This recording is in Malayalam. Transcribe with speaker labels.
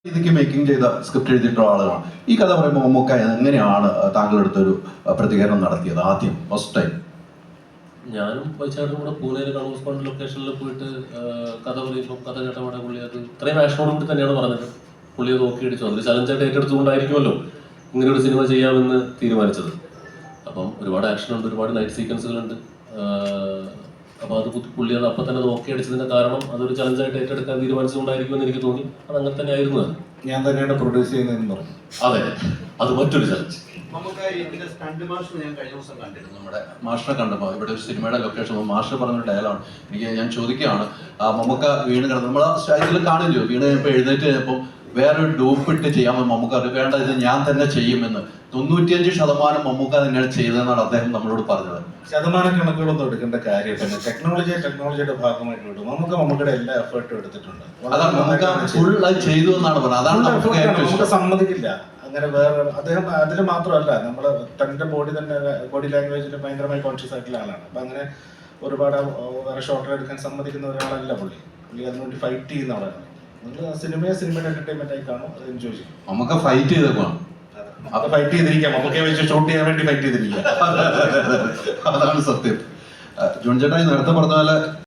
Speaker 1: ഇതിക്ക് മേക്കിംഗ് ചെയ്ത സ്ക്രിപ്റ്റ് എഴുതിയിട്ടുള്ള ആളുകളാണ്. ഈ കഥ പറയുമ്പോൾ മമ്മൂക്ക എങ്ങനെയാണ് താങ്കളെടുത്തൊരു പ്രതികരണം നടത്തിയത് ആദ്യം ഫസ്റ്റ് ടൈം?
Speaker 2: ഞാനും വൈചാടും കൂടെ പൂനെയിൽ കണ്ണൂർ സ്പോണ്ട് ലൊക്കേഷനിൽ പോയിട്ട് കഥ പറയുമ്പോൾ കഥ കേട്ടപാടെ പുള്ളി അത് ഇത്രയും ആക്ഷനോട് കൂടി തന്നെയാണ് പറഞ്ഞത്. പുള്ളി അത് നോക്കി അടിച്ചു. അതൊരു ചലഞ്ചായിട്ട് ഏറ്റെടുത്തുകൊണ്ടായിരിക്കുമല്ലോ ഇങ്ങനെ ഒരു സിനിമ ചെയ്യാമെന്ന് തീരുമാനിച്ചത്. അപ്പം ഒരുപാട് ആക്ഷൻ ഉണ്ട്, ഒരുപാട് നൈറ്റ് സീക്വൻസുകളുണ്ട്. അപ്പോൾ അത് പുള്ളി അത് അപ്പം തന്നെ നോക്കി അടിച്ചതിന്റെ കാരണം അതൊരു ചലഞ്ചായിട്ട് ഏറ്റെടുക്കാൻ തീരുമാനിച്ചുകൊണ്ടായിരിക്കുമെന്ന് എനിക്ക് തോന്നി. അത് അങ്ങനെ തന്നെ ആയിരുന്നു.
Speaker 3: ഞാൻ തന്നെയാണ് പ്രൊഡ്യൂസ് ചെയ്യുന്നതെന്ന് പറഞ്ഞു.
Speaker 2: അതെ, അത് മറ്റൊരു ചലഞ്ച്.
Speaker 1: നമുക്ക് ഇതിന്റെ സ്റ്റണ്ട് മാസ്റ്റർ ഞാൻ കഴിഞ്ഞ ദിവസം കണ്ടിരുന്നു. നമ്മുടെ മാസ്റ്ററെ കണ്ടപ്പോൾ ഇവിടെ ഒരു സിനിമയുടെ ലൊക്കേഷൻ മാസ്റ്റർ പറഞ്ഞൊരു ഡയലോഗാണ്. ഞാൻ ചോദിക്കുകയാണ്, മമ്മൂക്ക വീണ് കിടന്നു നമ്മൾ സ്റ്റൈലിൽ കാണില്ലോ, വീണ് കഴിഞ്ഞപ്പോൾ എഴുന്നേറ്റ് കഴിഞ്ഞപ്പോൾ വേറൊരു ഡൂപ്പ് ഇട്ട് ചെയ്യാമെന്ന് മമ്മൂക്ക അറിയാം. വേണ്ട, ഇത് ഞാൻ തന്നെ ചെയ്യുമെന്ന് 95% മമ്മൂക്ക തന്നെയാണ് ചെയ്തതെന്നാണ് അദ്ദേഹം നമ്മളോട് പറഞ്ഞത്.
Speaker 3: ശതമാനം കണക്കുകളൊന്നും എടുക്കേണ്ട കാര്യമില്ല. ടെക്നോളജിയുടെ ഭാഗമായിട്ട് വിടും. മമ്മൂക്കയുടെ എല്ലാ എഫേർട്ടും എടുത്തിട്ടുണ്ട്.
Speaker 1: അതാണ് മമ്മൂക്ക ഫുൾ അത് ചെയ്തു എന്നാണ് പറഞ്ഞത്. അതാണ് നമുക്ക്
Speaker 3: സമ്മതിക്കില്ല. അങ്ങനെ വേറെ അദ്ദേഹം അതിൽ മാത്രമല്ല, നമ്മൾ തന്റെ ബോഡി ലാംഗ്വേജിൽ ഭയങ്കരമായി കോൺഷ്യസ് ആയിട്ടുള്ള ആളാണ്. അപ്പൊ അങ്ങനെ ഒരുപാട് വേറെ ഷോർട്ട് എടുക്കാൻ സമ്മതിക്കുന്ന ഒരാളല്ല പുള്ളി. അതിനുവേണ്ടി ഫൈറ്റ് ചെയ്യുന്ന ആളാണ്. നിങ്ങൾ സിനിമയുടെ എന്റർടൈൻമെന്റ് ആയി കാണും, അത് എൻജോയ് ചെയ്യും.
Speaker 1: നമുക്ക് ഫൈറ്റ് ചെയ്തേക്കാണ്,
Speaker 3: അത് ഫൈറ്റ് ചെയ്തിരിക്കാം. നമുക്ക് വെച്ച് ഷൂട്ട് ചെയ്യാൻ വേണ്ടി ഫൈറ്റ് ചെയ്തിരിക്കാം.
Speaker 1: അതാണ് സത്യം. ജോൺ ചേട്ടാ നേരത്തെ പറഞ്ഞ പോലെ